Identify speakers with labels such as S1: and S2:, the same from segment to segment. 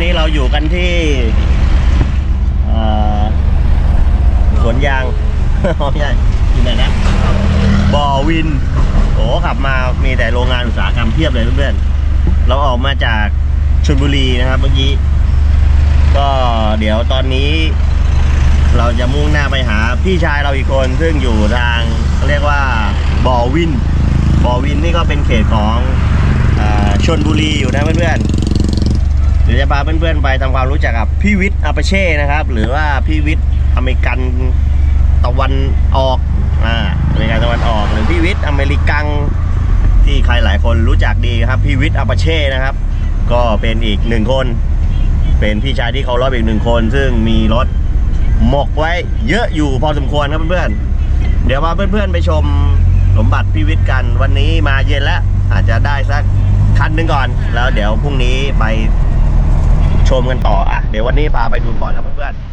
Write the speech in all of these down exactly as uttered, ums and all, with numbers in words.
S1: นี้เราอยู่กันที่สวนยาง ไม่ใช่ที่ไหนนะบ่อวินโอ้ขับมามีแต่โรงงานอุตสาหกรรมเพียบเลยเพื่อนๆเราออกมาจากชลบุรีนะครับเมื่อกี้ก็เดี๋ยวตอนนี้เราจะมุ่งหน้าไปหาพี่ชายเราอีกคนซึ่งอยู่ทางเรียกว่าบ่อวินบ่อวินนี่ก็เป็นเขตของชลบุรีอยู่นะเพื่อนๆเดี๋ยวจะพาเพื่อนๆไปทำความรู้จักกับพี่วิทย์อาปาเช่นะครับหรือว่าพี่วิทย์อเมริกันตะวันออกอ่าอเมริกันตะวันออกหรือพี่วิทย์อเมริกันที่ใครหลายคนรู้จักดีครับพี่วิทย์อาปาเช่นะครับก็เป็นอีกหนึ่งคนเป็นพี่ชายที่เคารพอีกหนึ่งคนซึ่งมีรถหมกไว้เยอะอยู่พอสมควรครับเพื่อนๆเดี๋ยวมาเพื่อนๆไปชมสมบัติพี่วิทย์กันวันนี้มาเย็นแล้วอาจจะได้สักคันหนึ่งก่อนแล้วเดี๋ยวพรุ่งนี้ไปชมกันต่ออ่ะเดี๋ยววันนี้พาไปดูก่อนครับเพื่อนๆ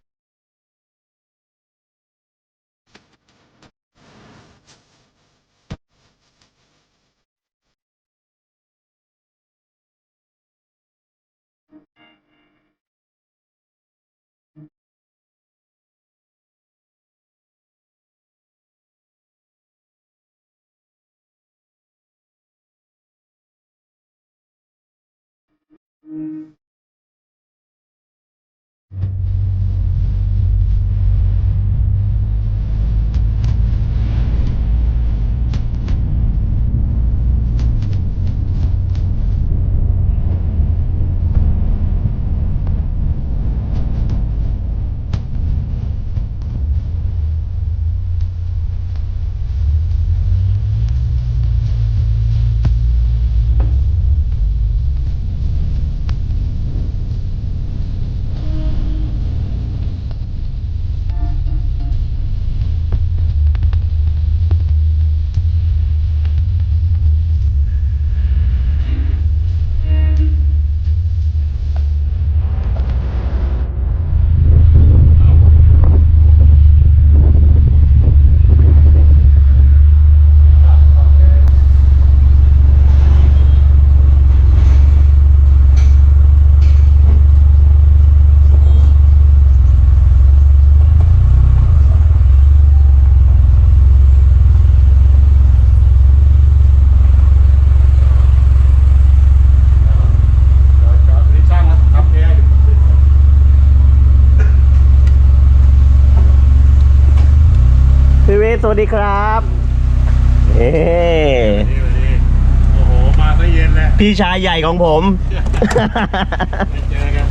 S1: สวัสดีครับเอ๊
S2: โอ้โหมาซะเย็นแล้ว
S1: พี่ชายใหญ่ของผม
S2: ไม่เจอกัน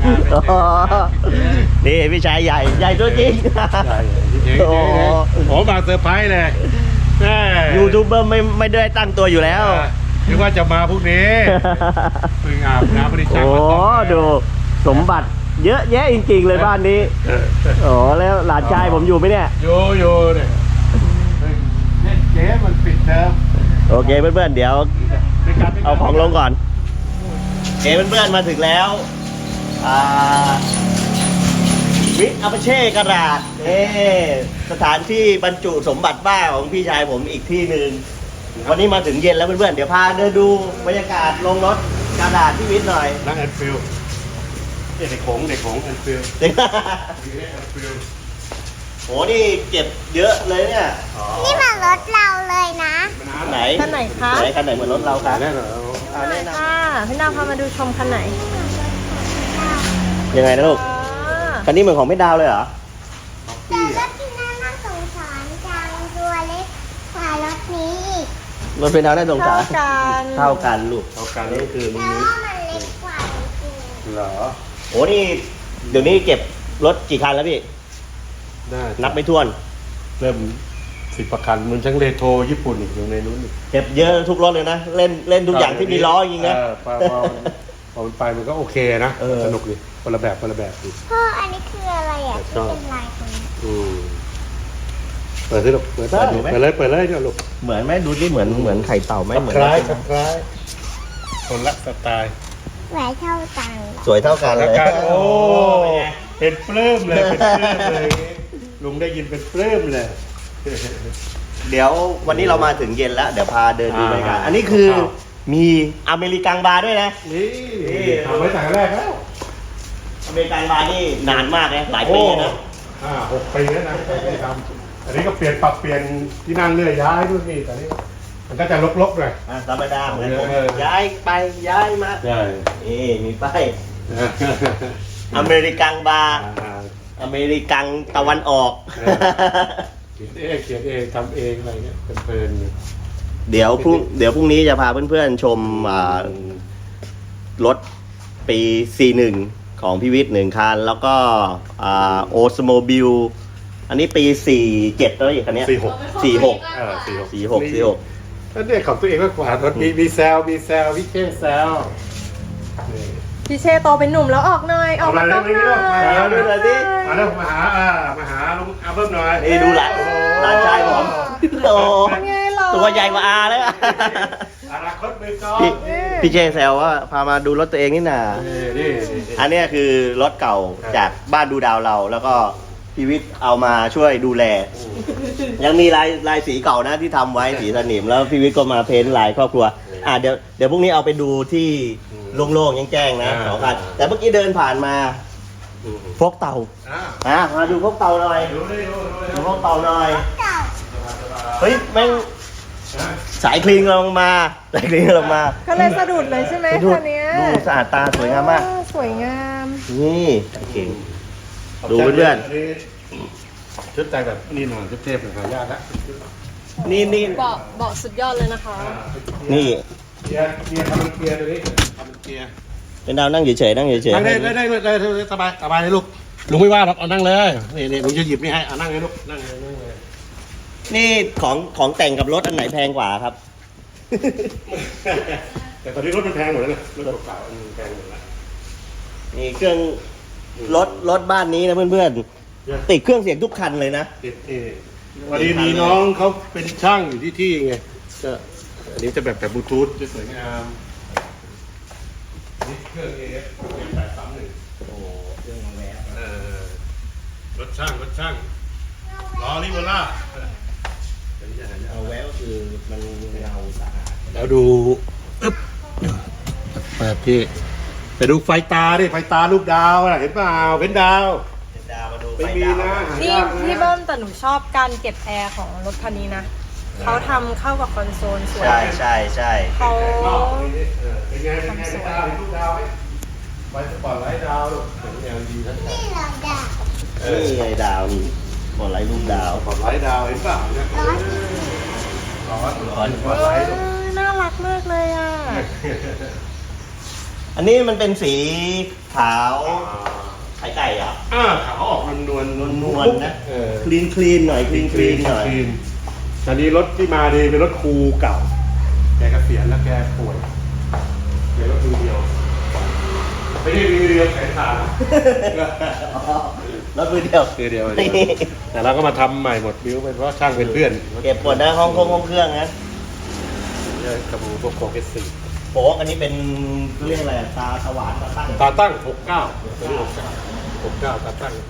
S1: นี่พี่ชายใหญ่ใหญ่ตัวจริง
S2: ใช่โอ้โหมาเซอร์ไพรส์เลย
S1: ยูทูบเบอร์ไม่ไม่ได้ตั้งตัวอยู่แล้ว
S2: นึกว่าจะมาพรุ่งนี้เพิ่งอาบน้ำบริจาค
S1: โอ้ดูสมบัติเยอะแยะจริงๆเลยบ้านนี้โอ้แล้วหลานชายผมอยู่ไหมเนี่ย
S2: อยู่อยู่เนี่ยเจ๊มันปิดเทอม
S1: โอเคเพื่อนๆเดี๋ยวเอาของลงก่อนเอ๋เพื่อนๆมาถึงแล้ววิทย์อาปาเช่กระดาษเอสถานที่บรรจุสมบัติบ้าของพี่ชายผมอีกที่หนึ่งวันนี้มาถึงเย็นแล้วเพื่อนๆเดี๋ยวพาเดินดูบรรยากาศลงรถกระดาษพี่วิทย์หน่อย
S2: นั่งแอนฟิลเด็กของเด็กของแอนฟิลเด็กแอนฟิล
S1: โหนี่เก็บเยอะเลยเนี่ย
S3: นี่มันรถเราเลยนะ
S1: ไหน
S4: คันไหนคะ
S1: ไหนคันไหนเหมือนรถเราคะ
S2: แน่นอน
S4: คันไหนค่ะพี่ดาวพามาดูชมคันไหน
S1: ยังไงนะลูกคันนี้เหมือนของไม่ดาวเลยเหรอ
S3: แต่รถที่น่าสงสารจังตัวเล็กกว่ารถนี้อีก
S1: รถเป็นดาวได้สงสาร
S4: เท่ากัน
S1: เท่ากันลูก
S2: เท่ากันนี่คือ
S3: แต่ว่ามันเล็กกว่าจริง
S2: เหรอ
S1: โอ้นี่เดี๋ยวนี้เก็บรถกี่คันแล้วพี่นับไม่ถ้วน
S2: เริ่มสิบประคันมันทั้งเรโทรญี่ปุ่นอีกอยู่ในนู้น
S1: เก็บเยอะทุกรถเลยนะเล่นเล่นทุกอย่างที่มีล้อจริงนะ
S2: พอพอมันไปมันก็โอเคนะสนุกดีคนละแบบคนละแบบดี
S3: พ่ออันนี้คืออะไรอ่ะที่เป็นลายตรงนี้
S2: อืมเปิดสิลูกเปิดได้เปิดเลยเปิดเลยเนี่ยลูก
S1: เหมือนไหมดูดิเหมือนเหมือนไข่เต่าไหมเหมือน
S2: คล้ายคล้ายคนละสไตล์
S3: แหวนเท่ากัน
S1: สวยเท่ากันเลย
S2: โอ้เป็นปลื้มเลยเป็นปลื้มเลยลุงได้ยินเป็นปลื้มเลย
S1: เดี๋ยววันนี้เรามาถึงเย็นแล้วเดี๋ยวพาเดินดูบรรยากาศอันนี้คือมีอเมริกันบาร์ด้วยนะ
S2: นี่ทำไว้แต่แรกแล้ว
S1: มริกันบาร์นี่นานมากนะหลายปีนะ
S2: อ่าหกปีแล้วนะที่ทำอันนี้ก็เปลี่ยนปรับเปลี่ยนที่นั่งเรื่อยย้ายนู่นนี่แต่นี่มันก็จะลกๆหน่อย
S1: อ่ะธรรมดาเหมือนผม
S2: เออ
S1: ย้ายไปย้ายมา
S2: ใช่
S1: นี่มีป้ายอเมริกันบาร์
S2: อ่า
S1: อเมริกันตะวันออก
S2: เขียนเองเขียนเองทำเองอะไรเงี้ยเพลินๆอยู่
S1: เดี๋ยวพรุ่งเดี๋ยวพรุ่งนี้จะพาเพื่อนๆชมอ่ารถปี ซี หนึ่ง ของพี่วิทย์หนึ่งคัน แล้วก็อ่าโอสโมบิลอันนี้ปี สี่เจ็ดแล้วอีกคันเนี้ย
S2: สี่หก
S1: สี่หก
S2: เออสี่หก
S1: สี่หกสี่หก
S2: นั่นเนี่ยของตัวเองมากกว่ารถมีมีแซวมีแซวพี่เช่แซวนี่
S4: พี่เชโตเป็นหนุ่มแล้วออกหน่อยออกมา
S2: เอา
S4: ต้อง
S2: มา
S4: ห
S2: เลย
S4: น่อย
S2: เอา
S1: มา
S2: มา
S1: ดูหน่อยสิ
S2: มาแล้วมาหาอ่ามาหาลุงอาเบิ้มหน่อย
S1: นี่ดูหลานหลานชายผมโอ้
S4: เป็นไงหรอ
S1: ตัวใหญ่กว่าอาแล้ว
S2: อนาคตมือกอล์ฟ
S1: พี่พี่เจแซวว่าพามาดูรถตัวเองนี่นา
S2: นี่นี่นี่
S1: อันเนี้ยคือรถเก่าจากบ้านดูดาวเรา แล้วก็พี่วิทย์เอามาช่วยดูแล ยังมีลายลายสีเก่านะที่ทำไว้สีสนิมแล้วพี่วิทย์ก็มาเพ้นท์ลายครอบครัวอ่ะเดี๋ยวเดี๋ยวพรุ่งนี้เอาไปดูที่โล่งๆแจ้งๆนะสองคันแต่เมื่อกี้เดินผ่านมา
S2: อืม
S1: พกเตา
S2: อ่า
S1: อ่ะมาดูพกเตาหน่อย
S2: ดูดิดูดู
S1: ดูพกเตาหน่อย
S3: เก่า
S1: เฮ้ยแม่ง
S2: อ่า
S1: สายคลีนลงมาสายคลีนลงมา
S4: ก็เลยสะดุดเลยใช่ไหม
S1: ดู
S4: คันเนี้ย
S1: ดูสะอาดตาสวยงามมาก
S4: เออสวยงาม
S1: นี่เก่ง ดูเพื่อน
S2: ๆชุดแต่งแบบนี่หน่อยเทพๆหน่อยหายากแล้ว
S1: นี่นี่
S4: เบาะเบาะสุดยอดเลยนะคะ
S1: นี่
S2: เกียร์เกียร์ทำเป็นเกียร์ตัวนี้ทำเป็นเกียร์
S1: เป็นดาวนั่งเฉยๆนั่งเฉย
S2: นั่งได้ได้ได้ได้ได้สบายสบายเลยลูกลุงไม่ว่าหรอกเอานั่งเลยนี่นี่ลุงจะหยิบนี่ให้เอานั่งเลยลูกนั่งเลยนั่งเลย
S1: นี่ของของแต่งกับรถอันไหนแพงกว่าครับ
S2: แต่ตอนนี้รถมันแพงหมดแล้วนะรถเก่าๆมันแพงหมดแล้ว
S1: นี่เครื่องรถรถบ้านนี้นะเพื่อนๆติดเครื่องเสียงทุกคันเลยนะ
S2: ติดเอวันนี้มีน้องเขาเป็นช่างอยู่ที่ที่ไงก็อันนี้จะแบบแบบบลูทูธจะสวยงามนี่เครื่องเอฟแปดสามหนึ่ง
S1: โอ้เครื่องมาแล้ว
S2: เออรถช่างรถช่างล้อลิเวอร่า
S1: เอาแววคือมันเงาสะอาด
S2: แล้วดูอึ๊บเปิดที่ไปดูไฟตาดิไฟตารูปดาวอะเห็นเปล่าเป็นดาว
S1: เป็นดาวมาดูไฟ
S2: ไม่มี
S1: ดาว
S2: นะหา
S4: นี่
S2: ยากนะ
S4: พี่เบิ้มแต่หนูชอบการเก็บแอร์ของรถคันนี้นะเขาทำเข้ากับคอนโซลสวย
S1: ใช่ใช่ใช่
S4: เขา
S2: นอกนี่เออเป็นไงเป็นไงเป็นดาวเห็นรูปดาวไหมไฟสปอร์ตไลท์ดาวลูกเป็นแนวดีทั้งนั้น
S3: นี่เราด่า
S1: นี่ไงดาวนี่บอลไลท์รูปดาว
S2: สปอร์ตไลท์ดาวเห็นเปล่าเนี่ย
S3: ร้อน
S2: ร้อนสปอร์ต
S4: เอ
S2: ไลท์
S4: อน่ารักมากเลยอ่ะ
S1: อันนี้มันเป็นสีขาวไข่ไก่อ่ะ
S2: อ่าขาวออกนวลนวล
S1: นวลๆนะ
S2: เออ
S1: คลีนคลีนหน่อยคลีนคลีนหน่อย
S2: ตอนนี้รถที่มาดีเป็นรถครูเก่า แกเกษียณแล้วแกป่วยแกรถมือเดียว ไม่ได้มือเดียวแขนขาด
S1: รถมือเดียว
S2: มือเดียวมือเดียวแต่เราก็มาทำใหม่หมดบิ้วเป็นเพราะช่างเป็นเพื่อน
S1: เก็บปวดนะห้องเครื่องห้องเครื่องนะ
S2: กระบูพวกโคเกสซี่
S1: โป๊กอันนี้เป็นเรียกอะไรตาสว่านตาตั้ง
S2: ตาตั้งหกเก้าตัวนี้หกเก้าหกเก้าตาตั้ง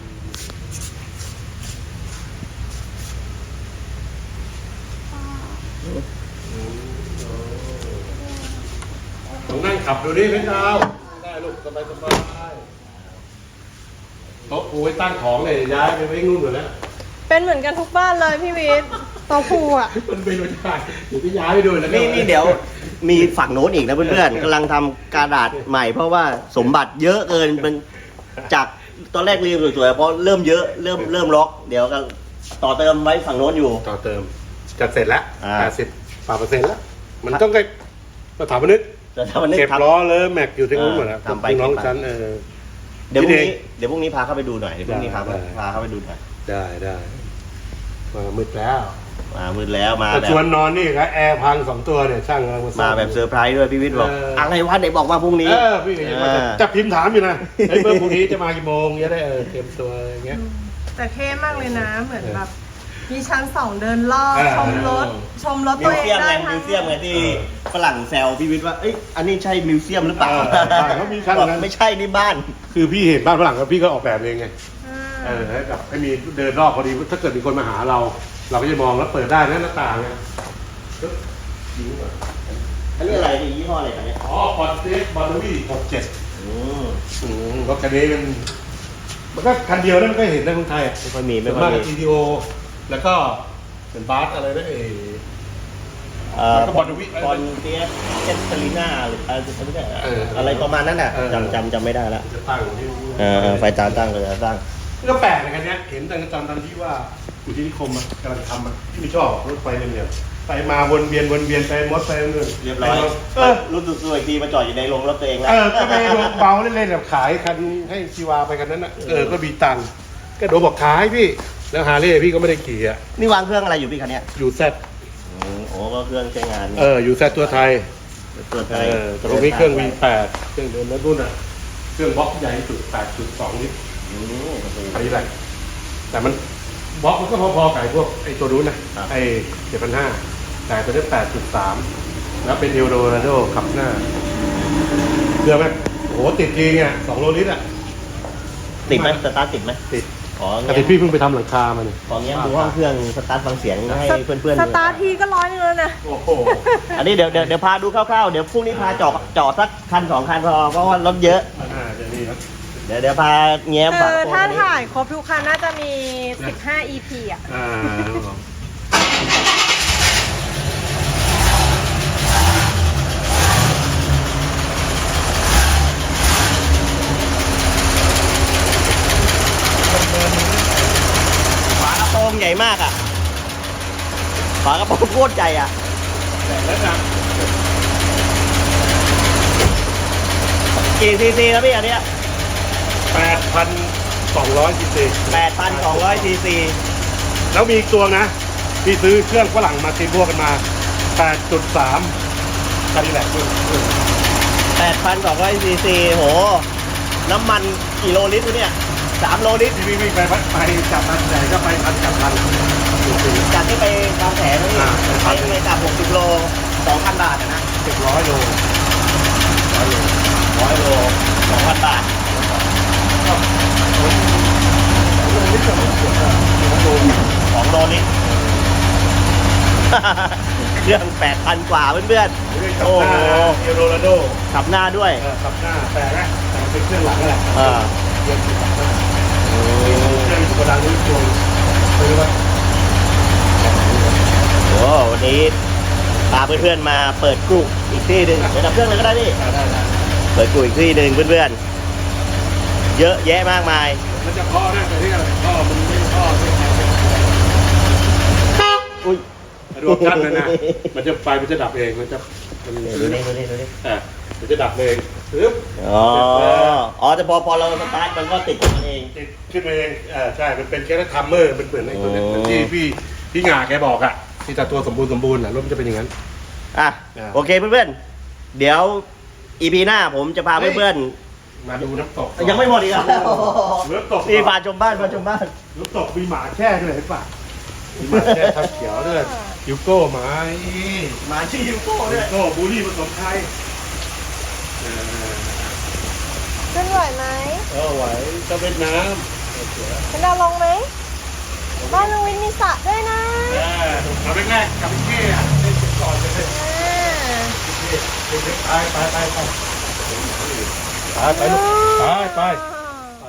S2: ลองนั่งขับดูดิเป็นดาวได้ลูกสบายสบายโต๊ะปูไว้ตั้งของเลยย้ายไปไว้นู่นหมดแล้ว
S4: เป็นเหมือนกันทุกบ้านเลยพี่วิทย์โตะพูอ่ะ
S2: มันเป็นไม่ได้เดี๋ยวพี่ย้ายไปดูแล้ว
S1: นี่นี่เดี๋ยวมีฝั่งโน้นอีกนะเพื่อนๆกำลังทำกระดาษใหม่เพราะว่าสมบัติเยอะเกินเป็นจากตอนแรกเรียงสวยๆเพราะเริ่มเยอะเริ่มเริ่มล็อกเดี๋ยวก็ต่อเติมไว้ฝั่งโน้นอยู่
S2: ต่อเติมจะเสร็จแล้ว
S1: อ่า
S2: แปดสิบปาเปอร์เซ็นต์แล้ว มันต้องไปสถาปนิก
S1: แต่ถ้ามันนึก
S2: เก็บ
S1: ทำ
S2: ล้อเลยแม็กอยู่ที่นู้นหมดแล้ว
S1: ทำไป
S2: น้อง
S1: เก็บไป
S2: ฉันเออ
S1: เดี๋ยวพรุ่ง
S2: พี่
S1: นี้
S2: เดช
S1: เดี๋ยวพรุ่งนี้พาเข้าไปดูหน่อยเดี๋ยวพรุ่งนี้พา
S2: ได้
S1: พาเข้าไปดูหน่อย
S2: ได้ได้มามืดแล้ว
S1: มามืดแล้วมา
S2: แต่
S1: แบ
S2: ช
S1: บ
S2: วนนอนนี่ครับแอร์พังสองตัวเนี่ยช่างกำลังมาซ่อ
S1: มาแบบเซอร์ไพรส์ด้วยพี่วิทย์บอก
S2: เอออ
S1: อะไรวะไหนบอกว่าพรุ่งนี้
S2: เออพี่ก็ยังว่าจะ
S1: อ่า
S2: จะพิมพ์ถามอยู่นะไอ้ยเบอร์พรุ่งนี้จะมากี่โมงจะได้เออเตรียมตัวอย่างเงี้ย
S4: แต่เท่มากเลยนะ เหมือนแบบมีชั้นสองเดินรอบ
S2: เออ
S4: ชมรถ ชมรถ
S1: มิ
S4: ตัว
S1: ว
S4: เอง
S1: เซียม
S4: ได้
S1: ไง
S4: ทั้
S1: มิ
S4: ง
S1: วเซียมไงที่ฝรั่งแซวพี่วิทย์ว่าเอ้ยอันนี้ใช่มิวเซียมหรือเปล่า
S2: เออใช่เขามีชั้น
S1: บอก
S2: นั้น
S1: ไม่ใช่นี่บ้าน
S2: คือพี่เห็นบ้านฝรั่งแล้วพี่ก็ออกแบบเองไง
S4: อ่
S2: เอา อให้แบบให้มีเดินรอบพอดีถ้าเกิดมีคนมาหาเรา เราก็จะมองแล้วเปิดได้นะหน้าต่างไงปึ๊บยิงก่อน
S1: อันนี้อะไรนี่ยี่ห้ออะไรกันเนี่ย
S2: อ๋อพอดเซฟบอลลูวี่หกเจ็ด
S1: อืม
S2: รถคันนี้มันมันก็คันเดียวนั่นก็เห็นในเมืองไทยอ่ะ
S1: ไม่ค่อยมีไม่
S2: ส่วน
S1: ค่อ
S2: มาย ก
S1: มี
S2: กับ จี ที โอ แล้วก็เป็นบาสอะไรนะเอ
S1: เอ่อ
S2: แล้วก็บอลวิ
S1: บอลเตียสเอสเตอริน่าหรืออะไรไม่ใช่
S2: เออ
S1: อะไรประมาณนั้นน่ะ
S2: เออ
S1: จำจำจำไม่ได้แล้ว
S2: จะตั้งที่
S1: เออเออไฟจานตั้งเลยจะตั้ง
S2: ก็แปลกในกันเนี้ยเห็นแต่ตอนตอนที่ว่าอยู่ที่นิคมอะกำลังทำอะที่ไม่ชอบรถไฟเนี่ยไปมาวนเวียนวนเวียนไปมดไปเรื่อย
S1: เรียบร้อย
S2: เออ
S1: รู้สึกตัวอีกทีมาจอดอยู่ในโรงรถตัวเองแล้ว
S2: เออก็ไปลงเบาเล่นๆแบบขายคันให้ชีวาไปกันนั้นน่ะเออก็มีตังค์ก็โดนบอกขายพี่แล้วฮาร์เลย์พี่ก็ไม่ได้ขี่อ่ะ
S1: นี่วางเครื่องอะไรอยู่พี่คันเนี้ย
S2: อยู่แซด
S1: อืมโอ้ก็เครื่องใช้งาน
S2: เอออยู่แซดตัวไทย
S1: ตัวไท
S2: เอย อแต่ตรงนี้เครื่อง วี แปด เครื่องเดิมแล้วรุ่นอ่ะเครื่องบล็อกใหญ่สุด แปดจุดสอง ลิตร
S1: อืมโอ้โห
S2: อันนี้แหละแต่มันบล็อกมันก็พอๆกับไอ้พวกไอ้ตัวนู้นนะครับ ไอ้เจ็ดพันห้าแต่ตัวนี้แปดจุดสามแล้วเป็นเอลโดราโดขับหน้าเชื่อไหมโอ้โหติดจริงอ่ะสองโลลิตรอ่ะ
S1: ติดไหมสตาร์ทติดไหม
S2: ติด
S1: ขอ
S2: แต่
S1: เงี้
S2: ติด
S1: ย
S2: พี่เพิ่งไปทำหลังคามาเนี่ย
S1: ขอเงี้ยดูห้องเครื่องสตาร์ทฟังเสียงให้เพื่อนๆ
S4: ส
S1: ดู
S4: ตาร์ททีก็ร้อยหนึงแล้วนะ
S2: โอ้โห
S1: อันนี้เดี๋ยวเดี๋ยวเดี๋ยวพาดูคร่าวๆเดี๋ยวพรุ่งนี้พาจอดจอดสักคันสองคันพอเพราะว่ารถเยอะ
S2: อ่าเดี๋ยวนี้ครับ
S1: เดี๋ยวเดี๋ยวพาแง้ม
S4: เอ
S1: ฝา
S4: อก
S1: ระโปรง
S4: ถ้า
S1: อันนี้
S4: ถ่ายครบทุกคันน่าจะมี สิบห้า อี พี อ่ะ
S2: อ่า
S1: ฝากระโปรงใหญ่มากอ่ะฝากระโปรงโคตรใหญ่อ่ะ
S2: แล้วนะ
S1: กี่ซีซีแล้วพี่อันเนี้ย
S2: แปดพันสองร้อยซีซี
S1: แปดพันสองร้อยซีซี
S2: แล้วมีอีกตัวนะพี่ซื้อเครื่องฝรั่งมาตีพวกกันมาแปดจุดสามคันนี้แหละคุณ
S1: แปดพันสองร้อยซีซีโหน้ำมันกี่โลลิตรวะเนี่ยสามโลลิตร
S2: ที่พี่วิ่งไปไปจับพันใหญ่ก็ไปพันจับพัน
S1: จากที่ไปบางแผนนี่
S2: อ่า
S1: ใช้เงินจากหกสิบโลสองพันบาทอะนะ
S2: เจ็ดร้อยโลร้อยโล
S1: ร้อยโลสองพันบาทสองโลลิตร เครื่องแปดพันกว่าเพื่อนๆ
S2: โอ้
S1: โอ้
S2: โห
S1: โห
S2: เอลโดราโด
S1: ขับหน้าด้วย
S2: เออขับหน้าแต่ละแต่เป็นเครื่องหลังนั่นแหละ
S1: อ่า
S2: เครื่องขับหน้าเครื่องกระดังนี้ตัวซื้อว่า
S1: โอ้วันนี้พาเพื่อนๆมาเปิดกลุ่มอีกที่หนึ่งเดี๋ยวดับเครื่องเลยก็ได้พี่
S2: ได้ได้
S1: เปิดกลุ่มอีกที่หนึ่งเพื่อนๆ เยอะแยะมากมาย
S2: มันจะพ่อนะแต่ที่อะไรพ่อมันไม่พ่อไม่ใช่
S1: อุ้ย
S2: รวมกันเลยนะมันจะไฟมันจะดับเองมันจะมัน
S1: ดูนี่ดูนี่ดูนี่
S2: อ่ะมันจะดับเองปึ๊บ
S1: อ๋อ อ๋อแต่พอพอเราสตาร์ทมันก็ติดของมันเอง
S2: ติดขึ้นมาเองอ่าใช่มันเป็นแค่ทัมเมอร์มันเหมือนไอ้ตัวเนี้ย
S1: อ๋อ
S2: เหมือนที่พี่พี่หงาแกบอกอ่ะที่แต่ตัวสมบูรณ์สมบูรณ์อ่ะรถมันจะเป็นอย่างนั้น
S1: อ่ะ
S2: อ่า
S1: โอเคเพื่อนๆ เดี๋ยวอีพีหน้าผมจะพาเพื่อน
S2: มาดูน้ำตก
S1: ๆ ยังไม่หมดอีกเหรอ
S2: น้ำตก
S1: นี่พาชมบ้านพาชมบ้าน
S2: น้ำตกมีหมาแช่ด้วยเห็นป่ะมีหมาแช่ทับเขียวด้วยยูโก้หมา
S1: หมาชื่อยูโก้ด้
S2: ยู
S1: วย
S2: โก้บูลลี่ผสมไทยเออ
S4: ขึ้นไหวไหม
S2: เออไหวก็เวียดนาม
S4: เป็นดาวลงไหมบ้านลุงวินมีสระด้วยนะ
S2: เออเอาแรกๆกับพี่เก้อะเล่นก่อนเลย
S4: อ่า
S2: ไปไปไปไปไปไปลูกไปไปไป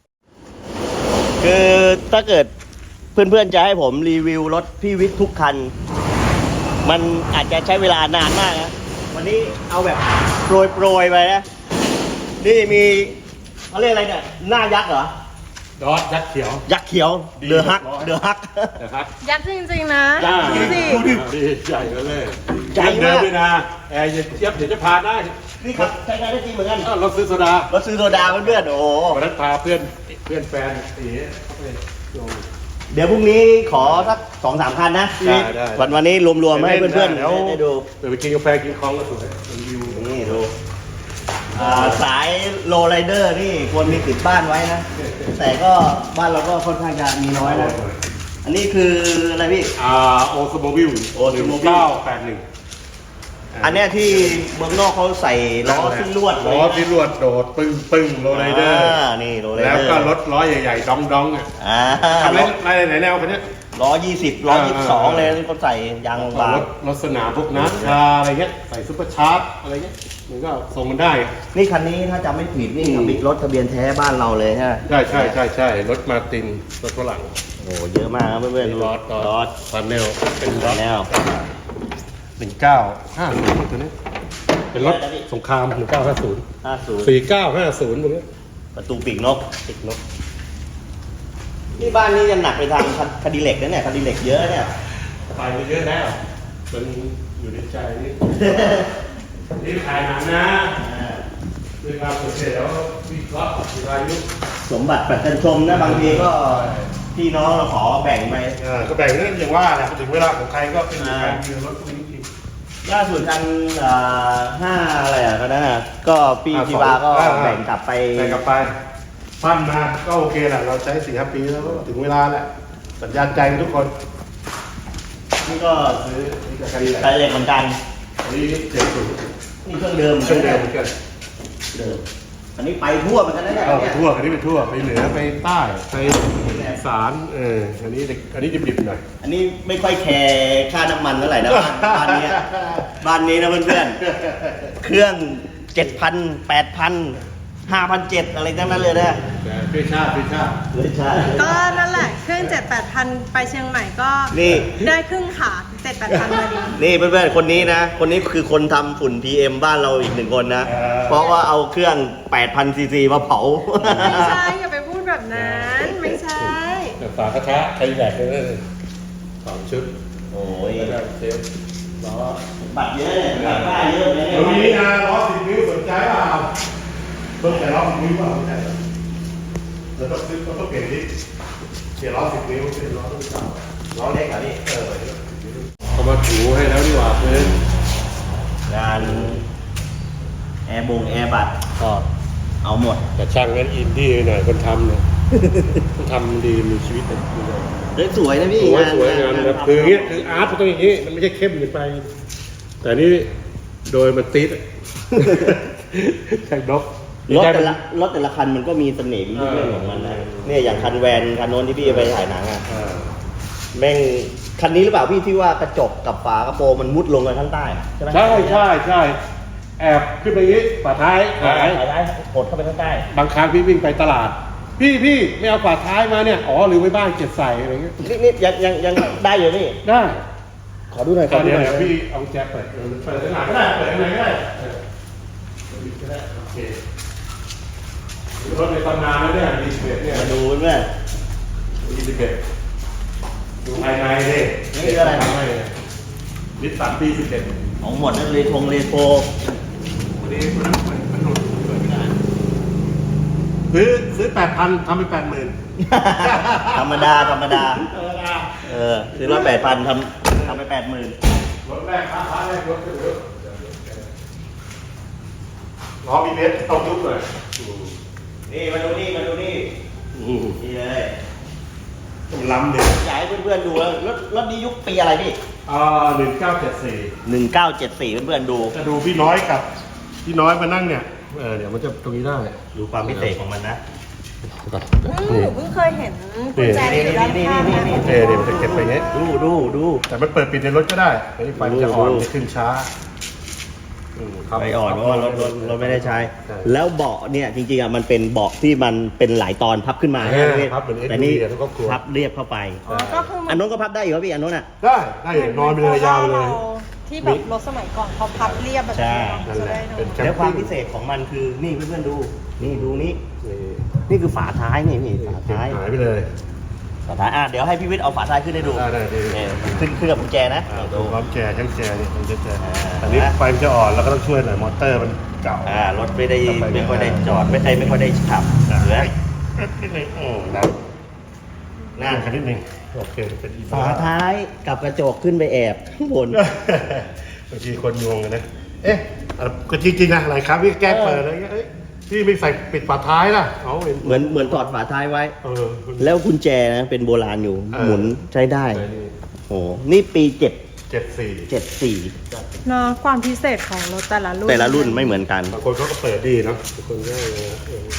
S1: คือถ้าเกิดเพื่อนๆจะให้ผมรีวิวรถพี่วิทย์ทุกคัน มันอาจจะใช้เวลานานมากนะ วันนี้เอาแบบโปรยๆไปนะ นี่มีเขาเรียกอะไรเนี่ย หน้ายักษ์เหรอ
S2: ดอทยักษ์เขียว
S1: ยักษ์เขียว
S2: ดี
S1: เดือฮัก
S2: ร้อย
S1: เดือฮัก
S2: นะครับ
S4: ยักษ์จริงๆนะ
S2: จ้า
S4: ดูสิ
S2: ดูดิดีใหญ่แล้วเลย
S1: ใหญ่มาก
S2: เดินด้วยนะแอร์เย็นเทียบเดี๋ยวจะพาได้
S1: นี่ครับใช้งานได้จริงเหมือนกัน
S2: อ้าวรถซื้อโซดาร
S1: ถซื้อโซดาเพื่อนๆ โอ้โห
S2: วันนั้นพาเพื่อนเพื่อนแฟนตีเข้าไปลง
S1: เดี๋ยวพรุ่งนี้ขอสักสองสามคันนะ
S2: ได้ได้
S1: วันวันนี้รวมๆให้เพื่อนๆ
S2: เดี๋ยว
S1: ได้ดู
S2: เดี๋ยวไปกินกาแฟกินคองก็สวยรีวิว
S1: นี่ดูอ่าสายโลไรเดอร์นี่ควรมีติดบ้านไว้นะ แต่ก็บ้านเราก็ค่อนข้างจะมีน้อยนะ อันนี้คืออะไรพี่
S2: อ่าโอสโมบิล
S1: Oldsmobile
S2: เก้าแปดหนึ่ง
S1: อันเนี้ยที่เมืองนอกเขาใส่ล้อที่ลวด
S2: ล้อที่ลวดโดดปึ้งปึ้งโรลไรเดอร์
S1: านี่โรลไร
S2: แล้ว
S1: เดอร์
S2: ก็รถล้อใหญ่ๆดองดองๆอ่ะ
S1: อ่า
S2: ทำอะไรอะไรไหนแนวคันเนี้ย
S1: รล้อยี่สิบล้อยี่สิบสองเลยที่เขาใส่ยางบาง
S2: รถรถสนามพวกนัสคาอะไรเงี้ยใส่ซุปเปอร์ชาร์จอะไรเงี้ยมันก็ทรงมันได้
S1: นี่คันนี้ถ้าจำไม่ผิดนี่ทะเบียนรถทะเบียนแท้บ้านเราเลยใช่ไหม
S2: ใช่ใช่ใช่ใช่รถมาตินรถฝรั่ง
S1: โอ้เยอะมากครับเพื่อนๆ
S2: รถร
S1: ร
S2: ถ
S1: ถ
S2: ฟันเนลเป็นรถ
S1: แนว
S2: หนึ่งเก้าห้าศูนย์ตัวนี้เป็นรถสงครามหนึ่งเก้าห้าศูนย์
S1: ห้าศูนย์
S2: สี่เก้าห้าศูนย์ตัวนี้
S1: ประตูปีกนก
S2: ติดนก
S1: นี่บ้านนี้จะหนักไปทางคดีเหล็กนะเนี่ยคดีเหล็กเยอะเนี่ย
S2: ไปเยอะแล้วมันอยู่ในใจนี่ นี่ถ่ายหนังนะเวลาเสร็จแล้ววิเคราะห์วิรายุ
S1: สมบัติปัจจันชมนะบางทีก็พี่น้องเราขอแบ่งไป
S2: อ่าก็แบ่งเรื่องอย่างว่าแหละถึงเวลาของใครก็เป็นของใครมีรถพวกนี้จริง
S1: ล่าสุดคันอ่าห้าอะไรอ่ะก็นั่นน่ะก็พี่
S2: อ่า
S1: จีบาก็
S2: สองอ่า
S1: แบ่งกลับไป
S2: ๆแต่กลับไปปั้นมาก็โอเคแหละเราใช้สี่ห้าปีแล้วก็ถึงเวลาแหละสัญญาณใจกันทุกคน
S1: นี่ก็
S2: ซื้อนี่จะใครแหละ
S1: คดีเหล็กเหมือนกัน
S2: อันนี้เจ็ดศูนย์
S1: นี่เครื่องเดิม
S2: เครื่องเดิมเหมือนกัน
S1: เดิมอันนี้ไปทั่วเหมือนกันนะเนี่ย
S2: เอาไป
S1: เนี่ย
S2: ทั่วอันนี้ไปทั่วไปเหนือไปใต้ไปอีสานเอออันนี้เด็กอันนี้ดิบๆหน่อย
S1: อันนี้ไม่ค่อยแคร์ค่าน้ำมันเท่าไหร่นะบ้านบ้านเนี้ยบ้านนี้นะเพื่อนๆเครื่องเจ็ดพันแปดพันห้าพันเจ็ดอะไรทั้งนั้นเลยนะ
S2: แต่พี่ชาติพี่ชาติ
S1: เลยใช่
S4: ก็นั่นแหละเครื่องเจ็ดแปดพันไปเชียงใหม่ก็
S1: นี่
S4: ได้ครึ่งขาเจ็ดแปดพันพอดี
S1: นี่เพื่อนๆคนนี้นะ คนนี้คือคนทำฝุ่น พี เอ็ม บ้านเราอีกหนึ่งคนนะ เพราะว่าเอาเครื่อง แปดพัน ซีซีมาเผา
S4: ไม่ใช่อย่าไปพูดแบบนั้น ไม่ใช่
S2: แต่ฝากระทะใครแบกเลยสองชุด
S1: โอ้ย
S2: แล้วก็เซฟล้อ
S1: บัตรเยอะเนี่ยบัตรป้ายเยอะเลย
S2: ตรง
S1: เนี่
S2: นี้
S1: ย
S2: นะล้อสิบนิ้วสนใจเปล่าเพิ่มแต่ล้อสิบนิ้วเปล่าสนใจแล้วต้องซื้อต้องเปลี่ยนดิเปลี่ยนล้อสิบนิ้วเปลี่ยนล้อต้องเก่า
S1: ล้อเล็กเหรอพี่
S2: เออเขามาถูให้แล้วดีกว่าเพื่อน
S1: งานแอร์บงแอร์บัตร
S2: ก็
S1: เอาหมด
S2: แต่ช่างนั้นอินดี้หน่อยคนทำเนี่ยคนทำดีมีชีวิตเลย
S1: เฮ้ยสวยนะพี่
S2: สวย
S1: งาน
S2: สวยงานแบบคืออย่างเงี้ยคืออาร์ตมันต้องอย่างงี้มันไม่ใช่เข้มเกินไป แต่นี่โดยมันติด ช่างนก
S1: รถแต่ละรถแต่ละคันมันก็มีเสน่ห์มีเรื่องของมันนะเนี่ยอย่างคันแวนคันโน้นที่พี่ไปถ่ายหนังอ่ะ
S2: อ่า
S1: แม่งคันนี้หรือเปล่าพี่ที่ว่ากระจกกับฝากระโปรงมันมุดลงกันข้างใต้อะใช่ไหม
S2: ใช่ใช่ใช่แอบขึ้นไปอย่างงี้ฝาท้าย
S1: หา
S2: หาย ย
S1: หายได้กดเข้าไปข้างใต้
S2: บางครั้งพี่วิ่งไปตลาด พี่พี่ไม่เอาฝาท้ายมาเนี่ยอ๋อลืมไว้บ้านเก็บใส่อะไรเงี้ย
S1: นี่นี่ยังยังยังได้อยู่พี่
S2: ได้
S1: ขอดูหน่อยข
S2: ต
S1: อ
S2: อน
S1: ดู
S2: นี้
S1: หน่อย
S2: เดี๋ยวพี่เอาแจ็คเปิดเออเปิดข้างหลังก็ได้เปิดข้างในก็ได้เออเปิดก็ได้โอเครถในตำนานแล้วเนี่ยดีสิบเอ็ดเนี่ย
S1: มาดูเพื่อน
S2: ดีสิบเอ็ดดูภายในดิ
S1: นี่คืออะไร
S2: ภายในนิสสันปีสิบเอ็ด
S1: ของหมดนั่นเลยทงเลโท
S2: วันนี้มันมันมันหลุดเปิดไม่ได้ซื้อซื้อแปดพันทำไปแปดหมื่น
S1: ธรรมดาธรรมดา
S2: ธรรมดา
S1: เออซื้อรถแปดพันทำทำไปแปดหมื่น
S2: รถแรกค้าค้าแรกรถก็เยอะล้อมีเบสต้องยุบเลย
S1: นี่มาดูนี่มาดูนี่นี่เลย
S2: มันล้ำเลย
S1: อยากให้เพื่อนๆดูแล้วรถรถนี้ยุคปีอะไรพี่
S2: อ่าหนึ่งเก้าเจ็ดสี่
S1: หนึ่งเก้าเจ็ดสี่เพื่อนๆดู
S2: จะดูพี่น้อยกับพี่น้อยมานั่งเนี่ยเออเดี๋ยวมันจะตรงนี้ได้
S1: ดูความพิเศษของมันนะ
S4: อืมหนูเพิ่งเคยเห็นกุญแจที่อยู่ด้านข้างนะ
S2: เออเดี๋ยวมันจะเก็บไปเงี้ย
S1: ดูดูดู
S2: แต่มันเปิดปิดในรถก็ได้ไอ้ไฟมันจะอ่อนจะขึ้นช้าอืมครับ
S1: ไปอ่อนเพราะว่ารถรถรถไม่ได้ใช้
S2: ใช่
S1: แล้วเบาะเนี่ยจริงๆอ่ะมันเป็นเบาะที่มันเป็นหลายตอนพับขึ้นมา
S2: เออ
S1: ใช่ไหมพี่
S2: พับเหมือน
S1: แต่นี่
S2: เอ็นดูดีอะทุกครอบครัว
S1: พับเรียบเข้าไป
S4: อ๋อก็คือเหมื
S1: อั
S4: อน น
S1: โน้นก็พับได้อยู่ครับพี่อันโน้นอ่ะ
S2: ได้ได้นอนไปเลยยาวไปเลย
S4: ที่แบบรถสมัยก่อนเขาพับเรียบแบบ
S1: ใช่
S4: นี้
S2: นั่น
S4: จะ
S2: แหละ
S4: ได้ดู
S2: เป็นแคม
S1: แล้วความ
S2: ปิ้ง
S1: พิเศษของมันคือนี่เพื่อนๆดู นี่ดูนี่
S2: นี่
S1: นี่คือฝาท้ายนี่นี่ฝา
S2: เก็บ
S1: ท้าย
S2: หายไปเลย
S1: ฝาท้ายอ่ะเดี๋ยวให้พี่วิทย์เอาฝาท้ายขึ้นให้ดู
S2: ได้ได้ดี
S1: เนี่ยขึ้นขึ้นกับกุญแจนะ
S2: อ่าดูความแจช่างแจนี่มันจะแจ
S1: อ่า
S2: อันนี้ไฟมันจะอ่อนแล้วก็ต้องช่วยหน่อยมอเตอร์มันเก่า
S1: อ่ารถไม่ได้
S2: ไปเนี่ย
S1: ไม่ค่อยได้จอดไม่ได้ไม่ค่อยได้ขับเหลือ
S2: นิดนึงอืมนะ
S1: นั่น
S2: คันนิดนึงโอเคเป็นอี
S1: ฝาท้ายกับกระจกขึ้นไปแอบข้างบน
S2: บางทีคนงงกันนะ เอ๊ะอ่ะก็จริงๆนะหลายครั้งพี่แกล้งเปิดอะไรเงี้ยเอ้ยพี่ไม่ใส่ปิดฝาท้ายล่ะเอาเห็น
S1: เหมือนเหมือนถอดฝาท้ายไว้
S2: เออ
S1: แล้วกุญแจนะเป็นโบราณอยู่
S2: เออ
S1: หมุนใช้ได้
S2: ใช่นี่
S1: โอ้นี่ปีเจ็ด
S2: เจ็ดสี่
S1: เจ็ดสี่
S4: เนาะความพิเศษของรถแต่ละรุ่น
S1: แต่ละรุ่นไม่เหมือนกัน
S2: บางคนเขาก็เปิดดีเนาะบางคนก็เออ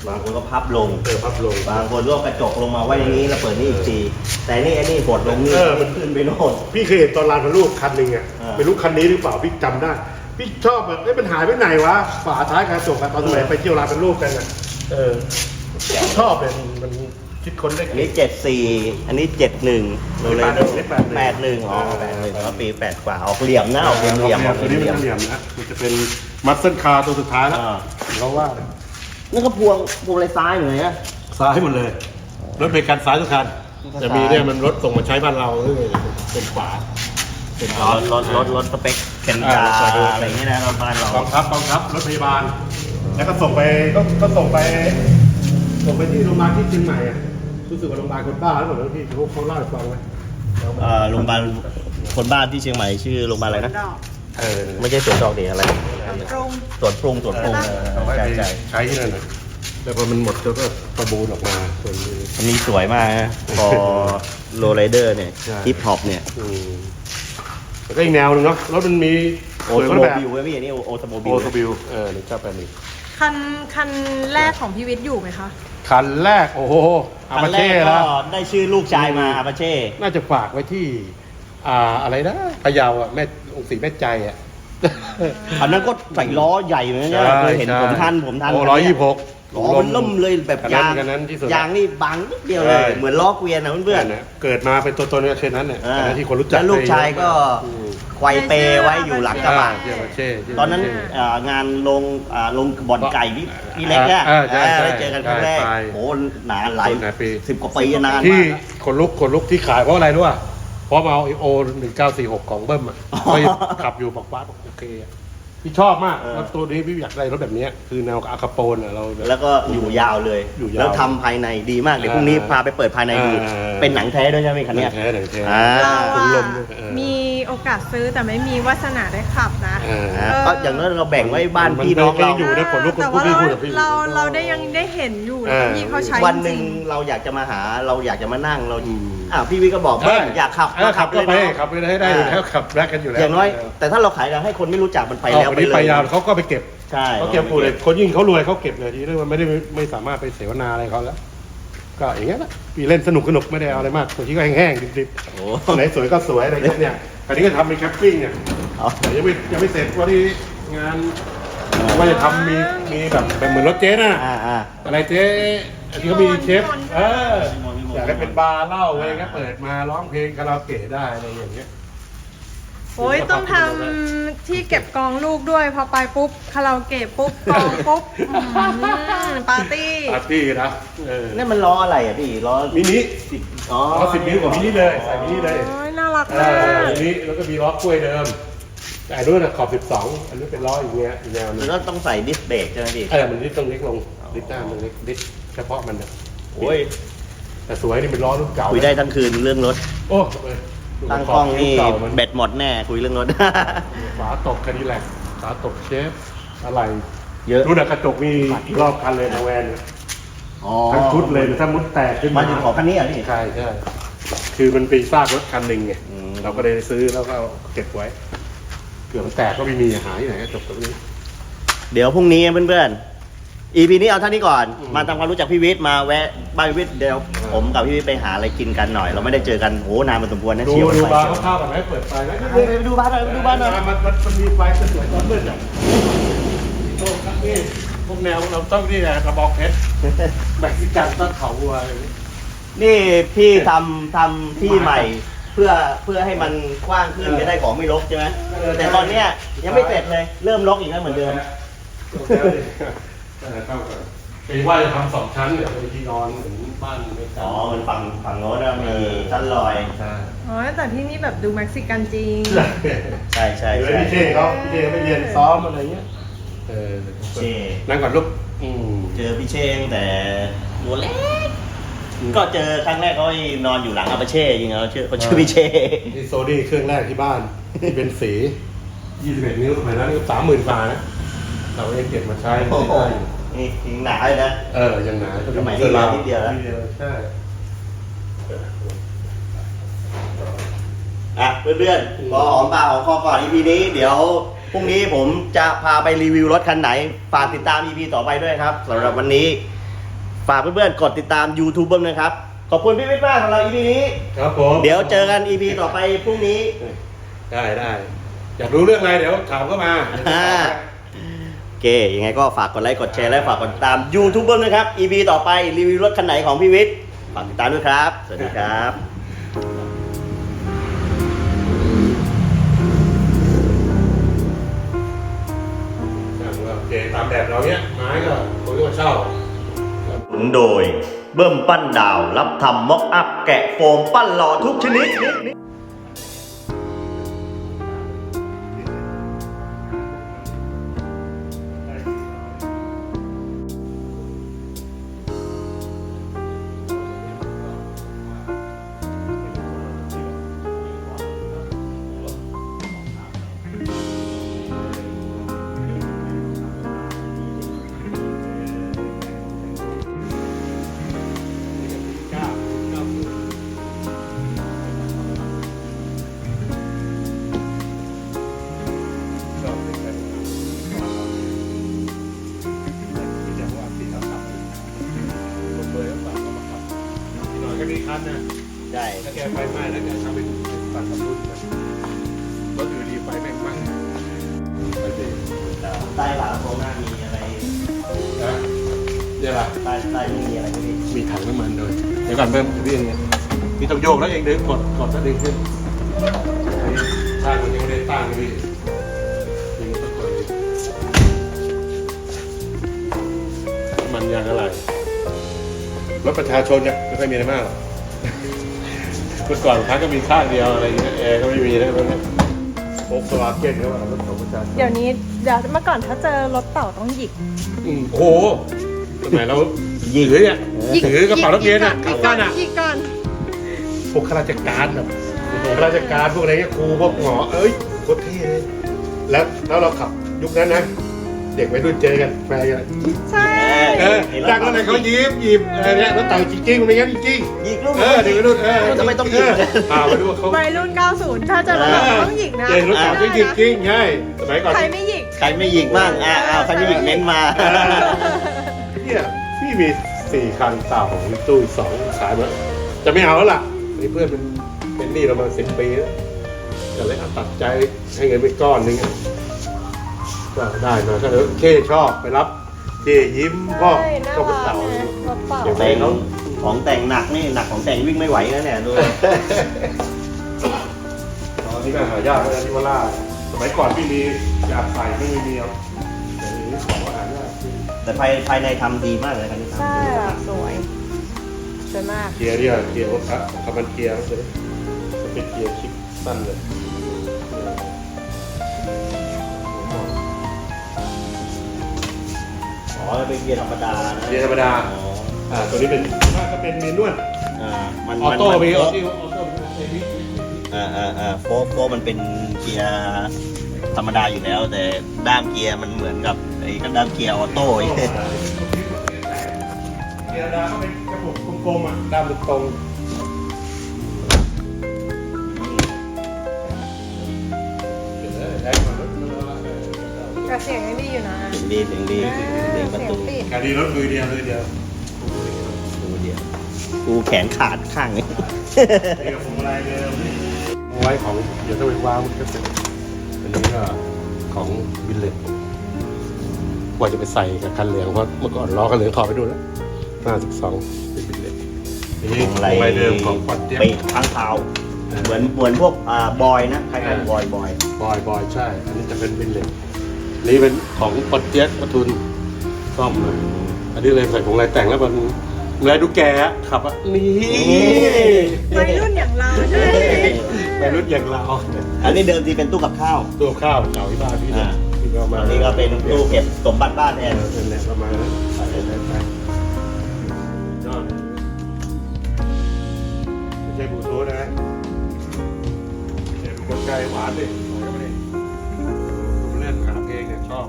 S1: บางคนก็พับลง
S2: เออพับลง
S1: บางคนก็กระจกลงมาไว้อย่างนี้แล้วเปิดนี่อีกทีแต่นี่ไอ้นี่กดลงนี่
S2: เออมัน
S1: ขึ้นไปโน่น
S2: พี่เคยเห็นตอนลานพระลูกคันหนึ่งอ่ะ
S1: อ่า
S2: ไม่รู้คันนี้หรือเปล่าพี่จำได้ พี่ชอบแบบเอ้ยมันหายไปไหนวะฝาท้ายกระจกอะตอนสมัยไปเที่ยวลานพระลูกกันอ่ะเออชอบเลยมันมันคิดค้นได้
S1: อัน
S2: เก่
S1: นี้
S2: ง
S1: เจ็ดสี่อันนี้เจ็ดหนึ่งโรเลโด
S2: แป
S1: แป
S2: ด
S1: ด
S2: ห
S1: ห
S2: นึ่
S1: นึ่
S2: ง
S1: งอ๋อแปดหนึ่งเพราะปีแปดกว่าออกเหลี่ยมนะออกเหลี่ยมเหลี่ยมออก
S2: ตัวนี้
S1: เห
S2: มัน
S1: ลี่ยม
S2: จะเหลี่ยมนะมันจะเป็นมัสเซิลคาร์ตัวสุดท้ายแล้ว
S1: อ่า
S2: เขาว่า
S1: นั่นก็พวงพวงอะไรซ้ายเหมือนไง
S2: ซ้ายหมดเลยรถเบรกกันซ้ายทุกคันจะมีเนี่ยมันรถส่งมาใช้บ้านเราเป็นขวาเป็นข
S1: ร
S2: วา
S1: ถรถรถรถสเปคเคนดาอะไรอย่างเงี้ยนะรถบ้านเรา
S2: กองทัพกองทัพรถพยาบาล แล้วก็ส่งไปก็ก็ส่งไปส่งไปที่โรงพยาบาลที่เชียงใหม่อ่ะรู้สึกว่าโรงพยาบาลคนบ้าแล้วเหรอพี่เขาเขาเล่าให้ฟังไหม
S1: เอ่อโรงพยาบาลคนบ้านที่เชียงใหม่ชื่อโรงพยาบาลอะไรนะ
S2: เออ
S1: ไม่ใช่สวนดอกเดียอะไร
S4: ตรง
S1: สวนปรุงสวนปรุง
S2: เอาไว้
S1: ใช่
S2: ไป
S1: ใช่
S2: ใช้ที่นั่นนะแล้วพอมันหมดก็ประมูลออกมาส่วนนี้
S1: อันนี้สวยมากนะพอโรลไรเดอร์เนี่ย
S2: ใช่
S1: ฮิปฮอปเนี่ย
S2: อืมแล้วก็อีกแนวหนึงเนาะรถมันมี
S1: โอ
S2: สวย
S1: โต
S2: คน
S1: โม
S2: ละแบบ
S1: บิลเว้ยพี่อันนี้โอโตโมบิ
S2: โอ
S1: ล
S2: ทบิลเออนี่ก็เป็นอีก
S4: คันคันแรกของพี่วิทย์อยู่ไหมคะ
S2: คันแรกโอ้โหอา
S1: คั
S2: มาน
S1: แร
S2: เช่
S1: กก็
S2: แล้ว
S1: ได้ชื่อลูกชายมาอาปาเช่
S2: น่าจะฝากไว้ที่ อ่าอะไรนะพะเยาอ่ะแม่องค์ศรีแม่ใจอ่ะ
S1: คันนั้นก็ใส่ล้อใหญ่เหมือนกันนะเคยเห็นผมทันผมทัน
S2: โอ้ร้อยยี่สิบหก
S1: ล้อมันล่มเลยแบบ
S2: คันนั้น
S1: ยาง
S2: คันนั้นที่สุด
S1: ยางนี่บางนิดเดียวเลย
S2: ใช่
S1: เหมือนล้อเกวียนนะเพื่อน
S2: เนี่ยเกิดมาเป็นตัวตนเนี่ยเช่นนั้นเนี่ย
S1: ๆอ่า
S2: คันนั้นที่คนรู้จัก
S1: แล้วลูกชายก็
S2: อืม
S1: ไกวเปไว้อยู่หลังกระบะ
S2: อ่าเที่ยวมาเช่ที่ยว
S1: ตอนนั้น
S2: มาเช่
S1: เอ่องานลงอ่าลงบ่อนไก่พี่พี่เล็กเนี่ย
S2: อ่าใช่ใช่
S1: ได้เจอกันครั้งแรก
S2: ใช่
S1: โหนานหลาย
S2: หลายปี
S1: สิบกว่าปีนาน
S2: ที่
S1: มากนะ
S2: คนลุกคนลุกที่ขายเพราะอะไรรู้ป่ะเพราะมาเอาโอหนึ่งเก้าสี่หกของเบิ้มอ่ะ
S1: อ๋อ
S2: ก็ขับอยู่บอกว่าโอเคอะพี่ชอบมาก
S1: เออ
S2: แล้วตัวนี้พี่อยากได้รถแบบเนี้ยคือแนวอาคาโปนอ่ะเราแบบ
S1: แล้วก็อยู่ยาวเลย
S2: อยู่ยาว
S1: แล้วทำภายในดีมากเดี๋ยวพรุ่งนี้พาไปเปิดภายในดู
S2: อ่า
S1: เป็นหนังแท้ด้วยใช่ไหมคันเนี้ย
S2: หนังแท้หนังแท้
S1: อ่า
S4: เรา
S2: คุณ
S4: อะ
S2: ลมด้วยเออ
S4: มีโอกาสซื้อแต่ไม่มีวาสนาได้ขับนะ
S2: เออ
S1: อ่าก็อย่างนั้นเราแบ่งไว้บ้าน
S2: มัน
S1: พี่น้อง
S2: มัน
S1: เรา
S2: ไม่อยู่ นะขนลุก
S4: แต่ว่า
S2: พูด
S4: เรา
S2: พูดกับพี่
S4: เราเราได้ยังได้เห็นอยู่
S2: เออ
S4: ที่เขาใช้
S1: วันหนึ่ง
S4: จริง
S1: เราอยากจะมาหาเราอยากจะมานั่งเรา
S2: อืม
S1: อ่าพี่วิก็บอกเบิ้มอยากขับ
S2: เออขับก็ไป
S1: เลยเนอะ
S2: ขับไปได้ได้อยู่แล้วขับแรกกันอยู่แล้ว
S1: อย่างน้อย แต่ถ้าเราขายกันให้คนไม่รู้จักมันไป
S2: เอา
S1: แล้ว
S2: คน
S1: ไป
S2: นี้
S1: เล
S2: ไป
S1: ย
S2: ยาวเขาก็ไปเก็บ
S1: ใช่
S2: เขาเก็บปูเลยคนยิ่งเขารวยเขาเก็บเลยทีนี้มันไม่ได้ไม่สามารถไปเสวนาอะไรเขาแล้ว ก็อย่างเงี้ยแหละพี่เล่นสนุกสนุกไม่ได้เอาอะไรมากตัวที่ก็แห้งๆดิบ
S1: โอ้
S2: ๆไหนสวยก็สวยอะไรพวกเนี้ยอันนี้ก็ทำเป็นแคปปิ้งเนี่ย
S1: เอา
S2: แต่ยังไม่ยังไม่เสร็จว่าที่งานว่าจะทำมีมีแบบแบบเหมือนรถเจ๊น่ะ
S1: อ่าอ่า
S2: อะไรเจ๊อันนี้เขามีเชฟเอออยากให้เป็นบาร์เหล้าอะไรก็เปิดมาร้องเพลงคาราโอเกะได้อะไรอย่างเงี้ย
S4: โอ้ยต้องทำที่เก็บกองลูกด้วย พอไปปุ๊บคาราโอเกะปุ๊บกองปุ๊บอืมปาร์ตี้
S2: ปาร์ตี้นะเออ
S1: นี่นมันล้ออะไรอ่ะพี่ล้อ
S2: มินิ
S1: สิบอ๋อ
S2: ล้อสิบนิ้วกว่ามินิเลยใส่มินิเลย
S4: โอ้ยน่ารัก
S2: เอ
S4: มา
S2: อก มินิแล้วก็มีล้อกล้วยเดิมแต่อันนู้นนะขอบสิบสองอันนี้เป็นล้ออย่างเงี้ยอีกแนวหนึ
S1: มัน
S2: ง
S1: ก็ต้องใส่ดิสเบรกใช่ไหมพี่
S2: เออมันดิสต้องเล็กลงดิสหน้ามันเล็กดิสเฉพาะมันนะ
S1: โอ้ย
S2: แต่สวยนี่เป็นล้อรุ่นเก่า
S1: คุยได้ทั้งคืนเรื่องรถ
S2: โอ้เออ
S1: ตั้งกล้องนี่
S2: เก่ามัน
S1: แบตหมดแน่คุยเรื่องรถ
S2: ฝาตกคาดิแลกฝาตกเชฟอะไร
S1: เยอะ
S2: รุ่นอะกระจกมีรอบคันเลยนะแวนเนี่ย
S1: อ๋อ
S2: ทั้งชุดเลยถ้ามุดแตกขึ้น
S1: มา
S2: มา
S1: ถึงขอคันนี้อ่ะพี่
S2: ใช่ใช่คือมันเป็นซากรถคันหนึ่งไง
S1: อืม
S2: เราก็เลยซื้อแล้วก็เอาเก็บไว้เกือบมันแตกก็ไม่มีหาที่ไหนกระจกตรงนี้
S1: เดี๋ยวพรุ่งนี้เพื่อนๆ อี พี นี้เอาเท่านี้ก่อน
S2: อืม
S1: มาทำความรู้จักพี่วิทย์มาแวะบ้านพี่วิทย์เดี๋ยวผมกับพี่วิทย์ไปหาอะไรกินกันหน่อย เราไม่ได้เจอกันโหนานมาสมควรนะ
S2: ดู
S1: เชียว
S2: ดู
S1: ไป
S2: บาร์เข้าวๆกันไหมเปิดไฟไหม
S1: ไปไปดูบ้านหน่อยไปดูบ้านหน่อย
S2: มันมันมันมีไฟสวยๆตอนมืดอ่ะโอ้ครับนี่พวกแนวเราต้องนี่แหละกระบอกเพชรแบกซิกันต้นเขาวัวอะไรอย่างนี้
S1: นี่พี่ทำทำที่ใหม่ เพื่อเพื่อให้มันกว้างขึ้นจะได้ของไม่รกใช่ไหม
S2: เออ
S1: แต่ตอนเนี้ยยังไม่เสร็จเลย เริ่มรกอีกแล้วเหมือนเดิม
S2: เข้ากันเป็นว่าจะทำสองชั้นเนี่ยเป็นที่นอนเหมือนบ้านเมกา
S1: อ๋อมันฝั่งฝั่งโน้นนะมีชั้นลอย
S2: ใช่
S4: อ๋อแต่ที่นี่แบบดูเม็กซิกันจริง
S1: ใช่ใช่
S2: เดี๋ยว
S1: ใช่
S2: พี่เช่เขาพี่เช่ไปเรียนซ้อมอะไรเงี้ยเออ
S1: เช่
S2: นั่งก่อนลูกอืม
S1: เจอพี่เชงแต่ตัวเล็ก ก็เจอครั้งแรกเขานอนอยู่หลังอาปาเช่จริงๆเขาชื่อเขาชื่อพี่เช่
S2: ที่โซนี่เครื่องแรกที่บ้านที่เป็นสียี่สิบเอ็ดนิ้วสมัยนั้นสามหมื่นกว่านะเราเองเก็บมาใช้
S1: โอ้โห
S2: ได้อยู่
S1: นี่ถึงหนาเลยนะ
S2: เออยังหนา
S1: สมัยนี้เหลือนิดเดียวแล้ว
S2: นิดเดียวใช่
S1: อ่ะเพื่อนๆพอหอมปากหอมคอก่อน อี พี นี้เดี๋ยวพรุ่งนี้ผมจะพาไปรีวิวรถคันไหน ฝากติดตาม อี พี ต่อไปด้วยครับสำหรับวันนี้ฝากเพื่อนๆกดติดตาม YouTube บ้างนะครับ ขอบคุณพี่วิทย์มากสำหรับ อี พี นี้
S2: ครับผม
S1: เดี๋ยวเจอกัน อี พี ต่อไปพรุ่งนี้
S2: ได้ได้อยากรู้เรื่องอะไรเดี๋ยวถามเข้ามา
S1: อ่า โอเค ยังไงก็ฝากกดไลค์ กดแชร์ และฝากกดติดตาม YouTube บ้างนะครับ อี พี ต่อไปรีวิวรถคันไหนของพี่วิทย์ฝากติดตามด้วยครับ สวัสดีครับ
S2: โอเคตามแบบเราเนี้ยไม้ก็คนก็มาเช่า
S1: หนุนโดยเบิ้มปั้นดาว รับทำม็อกอัพ แกะโฟมปั้นหล่อทุกชนิด
S2: ก็มีคันนะ
S1: ใช่
S2: ถ้าแกไฟไหม้แล้วแกทำเป็นตัดกับรุ่นนะรถอยู่ดีไฟแม่งไหม้ไปดิ
S1: ใต้ฝากระโปรงหน้ามีอะไร
S2: นะเนี่ยล่ะ
S1: ใต้ใต้ไม่มีอะไรพี่
S2: มีถังน้ำมันด้วยเดี๋ยวก่อนเพิ่มพี่เองเนี่ยพี่ต้องโยกแล้วเองดึงกดกดแล้วดึงขึ้นช่างมันยังไม่ได้ตั้งเลยพี่ยังต้องกดเลยน้ำมันยางอะไรรถประชาชนเนี่ยไม่ค่อยมีอะไรมากหรอกเมื่อก่อนพักก็มีข้างเดียวอะไรอย่างเงี้ยแอร์ก็ไม่มีแล้วเนี่ยโฟล์คสวาเก้นเขาว่ารถของประชาชน
S4: เดี๋ยวนี้เดี๋ยวเมื่อก่อนถ้าเจอรถเต่าต้องหยิก
S2: อืมโอ้โหสมัยเราถือเนี่ยถือกระเป๋านักเรียนอ่ะ
S4: หยิ
S2: ก
S4: ก
S2: ลับ
S4: ก่อ
S2: บ้าน นอ่ะ
S4: หยิกก่อน
S2: พวกข้าราชการแบบพวกข้าราชการพวกอะไรเงี้ยครูพวกหมอเอ้ยโคตรเท่เลยแล้วแล้วเราขับยุคนั้นนะเด็กวัยรุ่นเจอกันแฟนกัน
S4: ใช่
S2: เออจากนั้นเลยเขายิ้มยิ้มอะไรเนี่ยรถเต่าจริงๆมันไม่งั้นจริง
S1: ยิงลูก
S2: ๆเออเด็กวัยรุ่นเออ
S1: ทำไมต้องยิง
S2: เอ่ามาดูว่าเขา
S4: วัยรุ่นเก้าสิบถ้าเจอรถเต่าต้องหยิกนะ
S2: เจอรถเต่าจริงจริงๆใช่สมัยก่อน
S4: ใครไม่หยิก
S1: ใครไม่ยิงบ้างอ่าอ้าวใครไม่ยิงเน้นมา
S2: เนี่ยพี่มีสี่คันเต่าของตู้อีกสองขายมาจะไม่เอาแล้วล่ะนี่เพื่อนเป็นเป็นหนี้เรามาสิบปีแล้วก็เลยเอาตัดใจให้เงินไปก้อนหนึงอะก็ได้มาก็เลยเคชอบไปรับเคยิ้มพ่อ
S4: ใช่น่า
S2: ก็เป็น
S4: รัก
S2: เต่า
S4: นะรถเต่า
S2: เดี๋ยว
S1: แต่งของแต่งหนักนี่หนักของแต่งวิ่งไม่ไหวนะเนี่ยดู
S2: ตอนนี้ก็หายากเลยที่ว่าล่าสมัยก่อนพี่มีอยากใส่ไม่มีเอาเดี๋ยวนี้ของหายาก
S1: แต่ภายภายในทำดีมากเลยครับนี่ทำ
S4: ใช่
S1: ดี
S4: อ่ะ
S1: มาก
S4: สวยสวยมาก
S2: เกียร์เนี่ยเกียร์รถอะของคำมันเกียร์เลยจะเป็นเกียร์คลิปสั้นเลยเออ
S1: อ๋อเป็นเกียร์ธรรมดานะ
S2: เกียร์ธรรมดา
S1: อ๋อ
S2: อ่าตัวนี้เป็นถ้าก็เป็นเมนวล
S1: อ่ามัน
S2: ออโต้
S1: มัน
S2: มีอ
S1: โฟ
S2: อ
S1: ร์
S2: โต้ออโต้เอวิ
S1: อ่าอ่าอ่าโฟร์โฟร์มันเป็นเกียร์ธรรมดาอยู่แล้ว แต่ด้ามเกียร์มันเหมือนกับไอ้กับด้ามเกียร์ออโต้อีก
S2: เกียร์ดาก็เป็นกระปุกกลมๆอ่ะด้ามตรงเดี๋ยวนะได้มาแล้ว
S4: กระเสียงยังดีอยู่นะ
S1: เสียงดีเสียงดีเสียงประตู
S4: เสียงปิด
S2: การดีรถมือเดียวมือเดียว
S1: ดูเดียวกูแขนขาดข้างนี้
S2: นี่กับผมอะไรเดิมเอาไว้ของเดี๋ยวถ้าไปวางมันก็เป็นอันนี้ก็ของบิลเลตว่าจะไปใส่กับคันเหลืองเพราะเมื่อก่อนล้อคันเหลืองถอดไปดูแล้วห้าสิบสองเป็นบิลเลตนี่
S1: ของอะไร
S2: ของอะไรเดิมของปอดเจ็บ
S1: ปีกข้างเท้าเหมือนเหมือนพวกอ่าบอยนะคล้ายๆบอยบอย
S2: บอยบอยใช่ อันนี้จะเป็นบิลเลตนี่เป็นของปอดเจ็บปทุนซ่อมเลยอันนี้เลยใส่ของอะไรแต่งแล้วมันอะไรดูแกอะขับอ่ะนี่
S4: วัยรุ่นอย่างเราใช่ไหม
S2: ไปรุ่นอย่างเรา
S1: อันนี้เดิมทีเป็นตู้กับข้าว
S2: ตัวข้าวเก่าที่บ้านพี่เนี่ย
S1: อ่า
S2: ที่เรามา
S1: อันนี้ก็เป็นตู้เก็บสมบัติบ้านแท
S2: เอน อเป็นแหละประมาณนั้นใส่ได้ไปยอดไม่ใช่บลูทูธนะไม่ใช่เป็นกลไกหวานดิหวานก็ไม่ได้ดูเล่นหาเพลงเนี่ยชอบ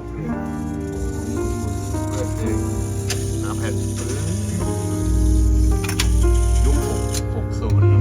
S2: เปิดเพลงหาแผ่นยุคหกหกศูนย์